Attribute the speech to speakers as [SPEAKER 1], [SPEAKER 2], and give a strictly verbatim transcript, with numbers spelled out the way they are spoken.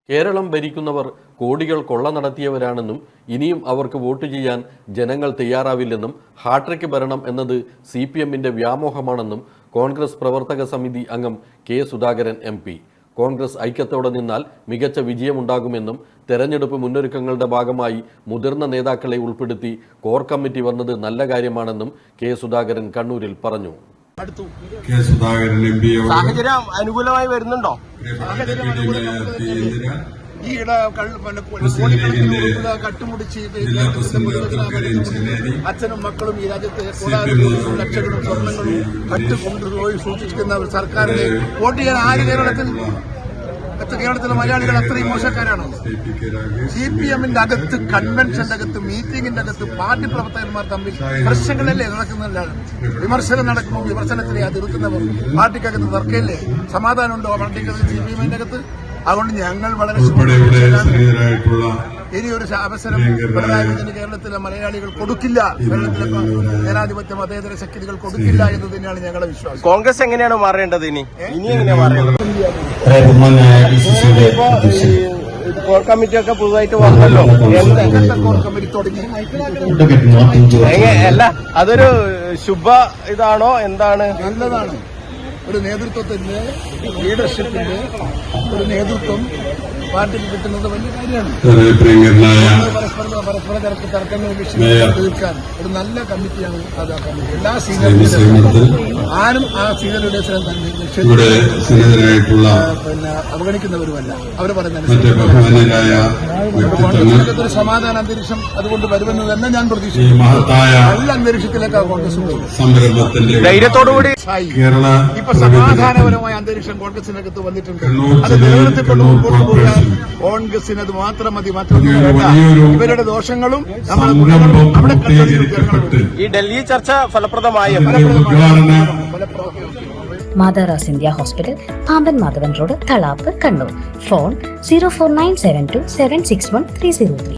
[SPEAKER 1] കേരളം ഭരിക്കുന്നവർ കോടികൾ കൊള്ള നടത്തിയവരാണെന്നും ഇനിയും അവർക്ക് വോട്ട് ചെയ്യാൻ ജനങ്ങൾ തയ്യാറാവില്ലെന്നും ഹാട്രിക് ഭരണം എന്നത് സി പി എമ്മിൻ്റെ വ്യാമോഹമാണെന്നും കോൺഗ്രസ് പ്രവർത്തക സമിതി അംഗം K Sudhakaran M P. Congress ഐക്യത്തോടെ നിന്നാൽ മികച്ച വിജയമുണ്ടാകുമെന്നും തെരഞ്ഞെടുപ്പ് മുന്നൊരുക്കങ്ങളുടെ ഭാഗമായി മുതിർന്ന നേതാക്കളെ ഉൾപ്പെടുത്തി കോർ കമ്മിറ്റി വന്നത് നല്ല കാര്യമാണെന്നും കെ സുധാകരൻ കണ്ണൂരിൽ പറഞ്ഞു.
[SPEAKER 2] സാഹചര്യം അനുകൂലമായി വരുന്നുണ്ടോ?
[SPEAKER 3] അച്ഛനും മക്കളും ഈ രാജ്യത്തെ ലക്ഷങ്ങളും സ്വർണ്ണങ്ങളും മറ്റു കൊണ്ടുപോയി സൂക്ഷിക്കുന്ന ഒരു സർക്കാരിനെ വോട്ട് ചെയ്യാൻ ആര് കേരളത്തിൽ കേരളത്തിലെ മലയാളികൾ അത്രയും മോശക്കാരാണ്. സി പി എമ്മിന്റെ അകത്ത്, കൺവെൻഷന്റെ അകത്ത്, മീറ്റിംഗിന്റെ അകത്ത് പാർട്ടി പ്രവർത്തകന്മാർ തമ്മിൽ പ്രശ്നങ്ങളല്ലേ നടക്കുന്നില്ല. വിമർശനം നടക്കുമ്പോൾ വിമർശനത്തിലെ അതിർക്കുന്നവർ പാർട്ടിക്കകത്ത് തർക്കമില്ലേ, സമാധാനമുണ്ടോ പാർട്ടിക്കകത്ത് സി പി എമ്മിന്റെ അകത്ത്? അതുകൊണ്ട് ഞങ്ങൾ വളരെ ഇനി ഒരു അവസരം പിണറായി വിജയന് കേരളത്തിലെ മലയാളികൾ കൊടുക്കില്ല, കേരളത്തിലെ ജനാധിപത്യ മതേതര ശക്തികൾ കൊടുക്കില്ല എന്ന് തന്നെയാണ് ഞങ്ങളുടെ വിശ്വാസം.
[SPEAKER 2] കോൺഗ്രസ് എങ്ങനെയാണ് മാറേണ്ടത്? ഇനി ഇനി എങ്ങനെയാണ് മാറേണ്ടത്? കോർ കമ്മിറ്റി ഒക്കെ പുതുതായിട്ട് വന്നല്ലോ,
[SPEAKER 3] കോർ കമ്മിറ്റി തുടങ്ങി
[SPEAKER 2] അല്ല അതൊരു ശുഭ ഇതാണോ? എന്താണ്?
[SPEAKER 3] നല്ലതാണ്. ഒരു നേതൃത്വത്തിന്റെ ലീഡർഷിപ്പിന്റെ ഒരു നേതൃത്വം പാർട്ടിക്ക് കിട്ടുന്നത് വലിയ കാര്യമാണ്. പരസ്പര പരസ്പര തരത്തിൽ തർക്കങ്ങൾ വിഷയങ്ങൾ തീർക്കാൻ ഒരു നല്ല കമ്മിറ്റിയാണ് അത്. ആ കമ്മിറ്റി എല്ലാ സീനിയർ ആരും ആ സീനിയർ ലീഡേഴ്സിനെ പിന്നെ അവഗണിക്കുന്നവരുമല്ല. അവർ പറയുന്നത് ഒരു സമാധാന അന്തരീക്ഷം അതുകൊണ്ട് വരുമെന്ന് തന്നെ ഞാൻ പ്രതീക്ഷിക്കുന്നു. നല്ല അന്തരീക്ഷത്തിലേക്കാണ് കോൺഗ്രസ്
[SPEAKER 2] ധൈര്യത്തോടുകൂടി
[SPEAKER 3] ഇപ്പൊ സമാധാനപരമായ അന്തരീക്ഷം കോൺഗ്രസിനകത്ത് വന്നിട്ടുണ്ട്. അത് നിലനിർത്തിക്കൊണ്ട് മുമ്പോട്ട് പോകാൻ കോൺഗ്രസിന് അത് മാത്രം മതി. മറ്റൊന്നും ഇവരുടെ ദോഷങ്ങളും നമ്മുടെ
[SPEAKER 2] ഈ ഡൽഹി ചർച്ച ഫലപ്രദമായ
[SPEAKER 4] മാതാറാസ് India hospital, Pamban Madhavan road, Thalap, Kannur. Phone zero four nine seven two seven six one three zero three.